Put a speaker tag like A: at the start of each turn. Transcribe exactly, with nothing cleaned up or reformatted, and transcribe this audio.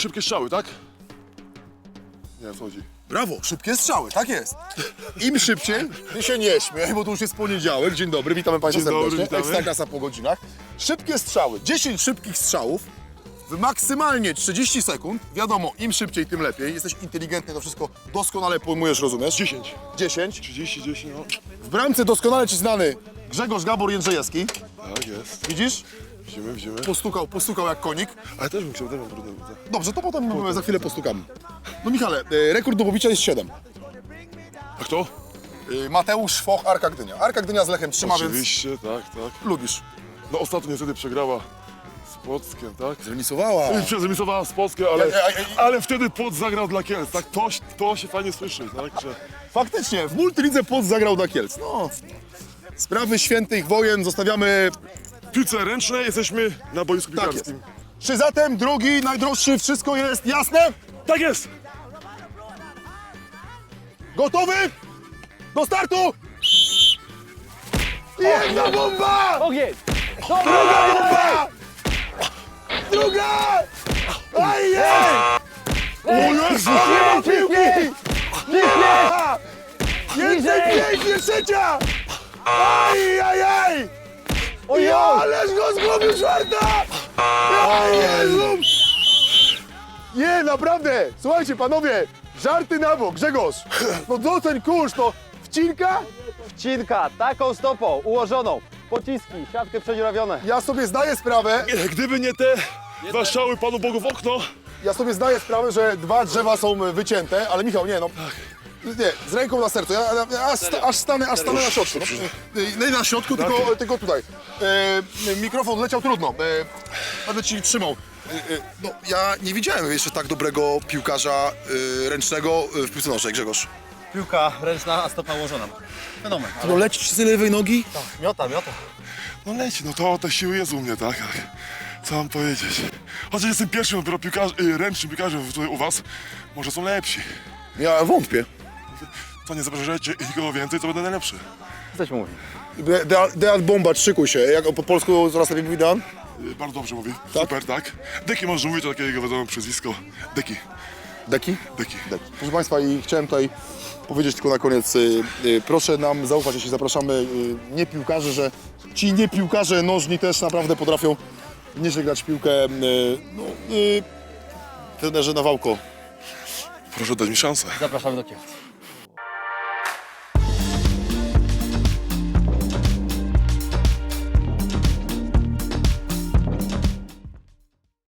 A: szybkie strzały, tak? Nie, o co chodzi?
B: Brawo, szybkie strzały, tak jest. Im szybciej, ty się nie śmiej, bo to już jest poniedziałek. Dzień dobry, witamy Państwa
A: Dzień dobry,
B: serdecznie.
A: witamy.
B: Ekstraklasa po godzinach. Szybkie strzały, dziesięć szybkich strzałów w maksymalnie trzydzieści sekund. Wiadomo, im szybciej, tym lepiej. Jesteś inteligentny, to wszystko doskonale pojmujesz, rozumiesz?
A: dziesięć.
B: dziesięć.
A: trzydzieści, dziesięć, no.
B: W bramce doskonale Ci znany Grzegorz Gabor Jędrzejewski.
A: Tak jest.
B: Widzisz?
A: Widzimy, widzimy.
B: Postukał, postukał jak konik.
A: Ale też bym chciał, też mam trudne.
B: Dobrze, to potem potem za chwilę postukamy. No Michale, e, rekord do pobicia jest siedem.
A: A kto?
B: E, Mateusz Foch, Arka Gdynia. Arka Gdynia z Lechem trzyma, więc
A: Oczywiście, tak, tak.
B: lubisz.
A: No ostatnio niestety przegrała z Płockiem, tak?
B: Zremisowała.
A: Przezemisowała z Płockiem, ale,
B: Ja- ja- ja-
A: ale wtedy Płock zagrał dla Kielc, tak? To, to się fajnie słyszy, tak? Że...
B: Faktycznie, w Multilidze Płock zagrał dla Kielc. No, sprawy świętych wojen zostawiamy.
A: W piłce ręcznej jesteśmy na boisku
B: Tak jest.
A: piłkarskim.
B: Czy zatem drugi, najdroższy, wszystko jest jasne?
A: Tak jest!
B: Gotowy? Do startu! Jedna bomba!
C: Ogień!
B: Druga bomba! Druga! Ajej! O Jezu! Nie ma piłki! Nie! Jeszcze pięknie trzecia! Aj, aj, aj!
C: Ojoj!
B: Ależ go zgubił czwarta! Aj, Jezu! Nie, naprawdę! Słuchajcie, panowie! Żarty na bok, Grzegorz! No doceń kurz, to wcinka?
C: Wcinka, taką stopą, ułożoną. Pociski, siatkę przedziurawione.
B: Ja sobie zdaję sprawę,
A: Gdyby nie te dwa strzały Panu Bogu w okno,
B: ja sobie zdaję sprawę, że dwa drzewa są wycięte, ale Michał, nie no. Nie, z ręką na sercu. Ja, ja, ja aż, sta, aż stanę, aż stanę na środku. No, nie na środku, tylko, tylko tutaj. E, mikrofon leciał trudno. E, będę ci trzymał. E, e, no, ja nie widziałem jeszcze tak dobrego piłkarza e, ręcznego w piłce nożnej, Grzegorz.
C: Piłka ręczna, a stopa ułożona. Fenomen.
B: No lecisz z lewej nogi?
C: Miota, miota.
A: no leci, no to te siły jest u mnie, tak? tak. Co mam powiedzieć? Chociaż jestem pierwszym dopiero piłkarz, y, ręcznym piłkarzem tutaj u was, może są lepsi.
B: Ja wątpię.
A: To nie zapraszajcie i nikogo więcej, to będę najlepszy.
C: Coś mówi.
B: De- De- Deat Bomba, szykuj się. Jak po polsku coraz lepiej mówi Dan?
A: Y, Bardzo dobrze mówi, super, tak? Deki może mówić, to takie jego wiadomo przezwisko. Deki,
B: Deki?
A: Deki.
B: Deki. Proszę Państwa, i chciałem tutaj powiedzieć tylko na koniec, y, y, proszę nam zaufać, jeśli zapraszamy y, nie piłkarzy, że ci nie piłkarze nożni też naprawdę potrafią nieźle grać w piłkę. Y, no, y, trenerze Nawałko,
A: Proszę dać mi szansę.
C: Zapraszamy do Kielc.